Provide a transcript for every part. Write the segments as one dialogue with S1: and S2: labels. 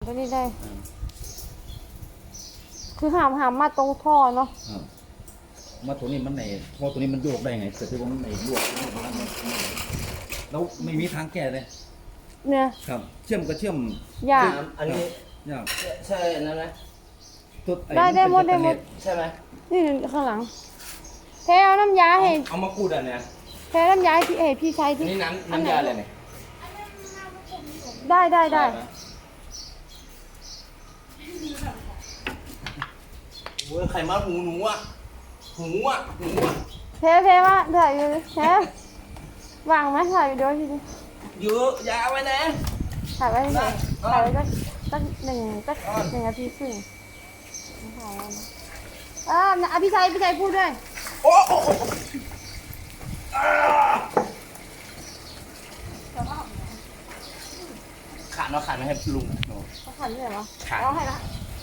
S1: ตัวนี้ได้คือหามมาตรงท่อเนาะ
S2: มาตัวนี้มันในท่อตัวนี้มันโยกได้ไงแต่ที่ว่ามันในโยกแล้วไม่มีทางแก้เลย
S1: เนี่ย
S2: ครับเชื่อมก็เชื่อม
S1: ยาก
S3: อันนี้
S2: ยาก
S3: ใช่นั่นไหม
S1: ได้หมด
S3: ใช่ไหม
S1: นี่ข้างหลังเทเอาน้ำยาให้
S3: เอามากูดอันเนี้ย
S1: เทน้ำยาให้พี่ใช้ที่
S3: นี่น้ำยาอะไรเนี่ย
S1: ได้
S3: เว้ยใครมาหูหนูอ่ะ
S1: เทว่าถ่ายอยู่เทวางไหมถ่ายอยู่ด้วยทีนี้
S3: เยอะยาไว้นะ
S1: ถ่ายไว้ไหนถ่ายไว้สักหนึ่งนาทีครึ่งถ่ายไว้นะพี่ชัยพูดด้วย
S3: โอ้ขาดไม่ให้ลุง
S1: เขาขันเลยเหรอ
S3: ขาด
S1: เอาให้ละ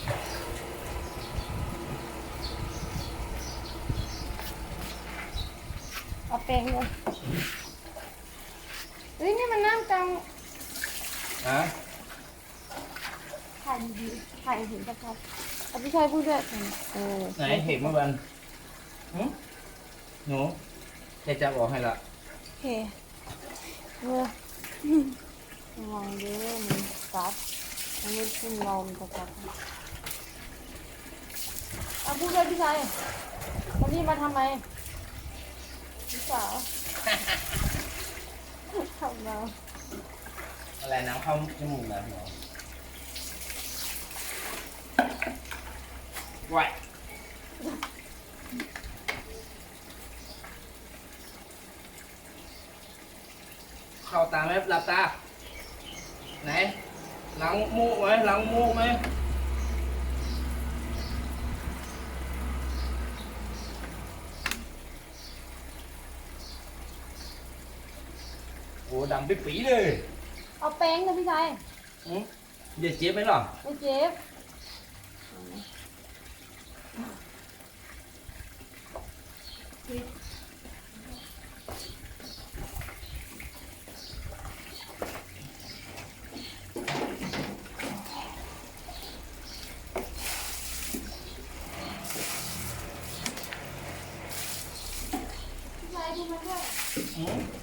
S1: เอาแป้งเลยเฮ้ยนี่มันน้ำกลางถ่ายดีถ่ายเห็นชัดๆพี่ชัยพูดด้วย
S3: ไหนเห็นเมื่อวันหนูจะบอกให้ละ
S1: โอเคระวังเด้อมันกัดมันไม่ขึ้นเรามันจะกัดพูดด้วยพี่ชัยวันนี้มาทำไมพี่สาวทำเรา
S3: อะไรน้ำเข้าจมูกนะหนูไหวเข้าตาไหมหลับตาไหนหลังมูกไหมโอ้ดำปิ๊ปีเลย
S1: เอาแป้งนะพี่ชาย
S3: อย่าเจ็บไหมหรอ
S1: ไม่เจ็บพี่ชายดูมันด้วย